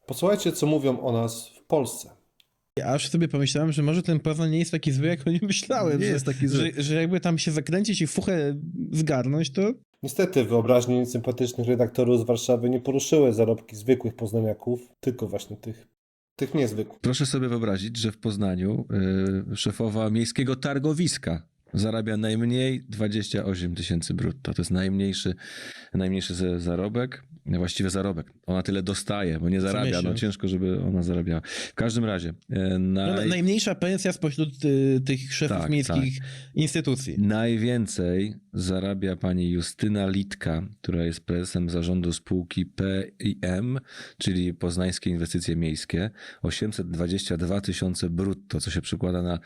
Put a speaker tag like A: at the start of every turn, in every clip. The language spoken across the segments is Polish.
A: Posłuchajcie, co mówią o nas w Polsce.
B: Aż sobie pomyślałem, że może ten Poznań nie jest taki zły, jak o nim myślałem.
C: Nie
B: że,
C: jest taki zły.
B: Że jakby tam się zakręcić i fuchę zgarnąć, to
A: Niestety wyobraźni sympatycznych redaktorów z Warszawy nie poruszyły zarobki zwykłych poznaniaków, tylko właśnie tych niezwykłych.
C: Proszę sobie wyobrazić, że w Poznaniu szefowa miejskiego targowiska zarabia najmniej 28 tysięcy brutto. To jest najmniejszy zarobek, właściwie zarobek. Ona tyle dostaje, bo nie zarabia. No
B: miesiąc.
C: ciężko, żeby ona zarabiała. W każdym razie
B: najmniejsza pensja spośród tych szefów
C: Tak,
B: miejskich instytucji.
C: najwięcej zarabia pani Justyna Litka, która jest prezesem zarządu spółki PIM, czyli Poznańskie Inwestycje Miejskie. 822 tysiące brutto, co się przykłada na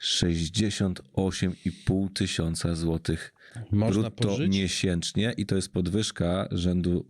C: 68,5 tysiąca złotych
B: Można
C: brutto
B: pożyć?
C: miesięcznie i to jest podwyżka rzędu,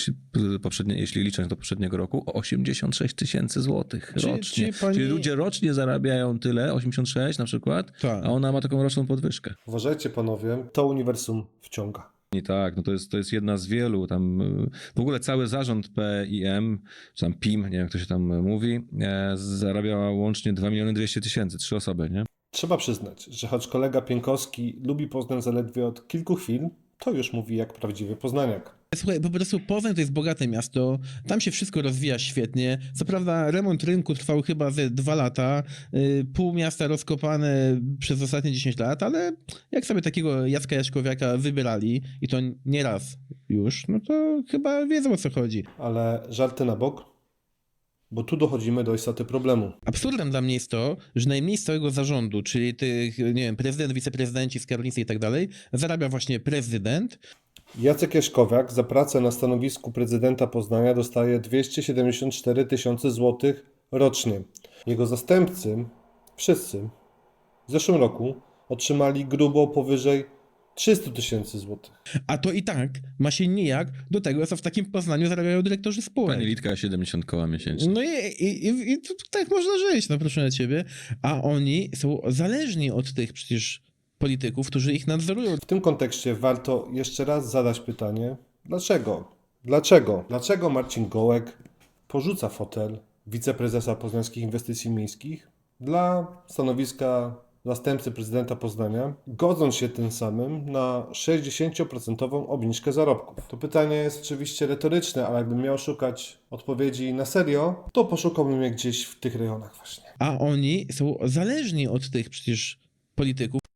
C: jeśli licząc do poprzedniego roku, o 86 tysięcy złotych rocznie.
B: Czyli
C: Czyli ludzie rocznie zarabiają tyle, 86 na przykład,
B: Tak.
C: a ona ma taką roczną podwyżkę.
A: Uważajcie panowie, to uniwersum wciąga.
C: I tak, no to jest jedna z wielu, tam w ogóle cały zarząd PIM, czy tam PIM, nie wiem jak to się tam mówi, zarabia łącznie 2 200 000, 3 osoby, nie?
A: Trzeba przyznać, że choć kolega Pienkowski lubi Poznań zaledwie od kilku chwil, to już mówi jak prawdziwy poznaniak.
B: Słuchaj, po prostu Poznań to jest bogate miasto, tam się wszystko rozwija świetnie. Co prawda remont rynku trwał chyba ze 2 lata, pół miasta rozkopane przez ostatnie 10 lat, ale jak sobie takiego Jacka Jaśkowiaka wybierali, i to nie raz już, no to chyba wiedzą, o co chodzi.
A: Ale żarty na bok, bo tu dochodzimy do istoty problemu.
B: Absurdem dla mnie jest to, że najmniej z całego zarządu, czyli tych, nie wiem, prezydent, wiceprezydenci, skarbnicy i tak dalej, zarabia właśnie prezydent.
A: Jacek Jaśkowiak za pracę na stanowisku prezydenta Poznania dostaje 274 tysiące złotych rocznie. Jego zastępcy, wszyscy, w zeszłym roku otrzymali grubo powyżej 300 tysięcy złotych.
B: A to i tak ma się nijak do tego, co w takim Poznaniu zarabiają dyrektorzy spółek.
C: Pani Litka 70 koła miesięcznie.
B: No i to, tak można żyć, no proszę na ciebie. A oni są zależni od tych przecież polityków, którzy ich nadzorują.
A: W tym kontekście warto jeszcze raz zadać pytanie, dlaczego? Dlaczego Marcin Gołek porzuca fotel wiceprezesa Poznańskich Inwestycji Miejskich dla stanowiska zastępcy prezydenta Poznania, godząc się tym samym na 60% obniżkę zarobków? To pytanie jest oczywiście retoryczne, ale jakbym miał szukać odpowiedzi na serio, to poszukałbym je gdzieś w tych rejonach właśnie.
B: A oni są zależni od tych przecież polityków.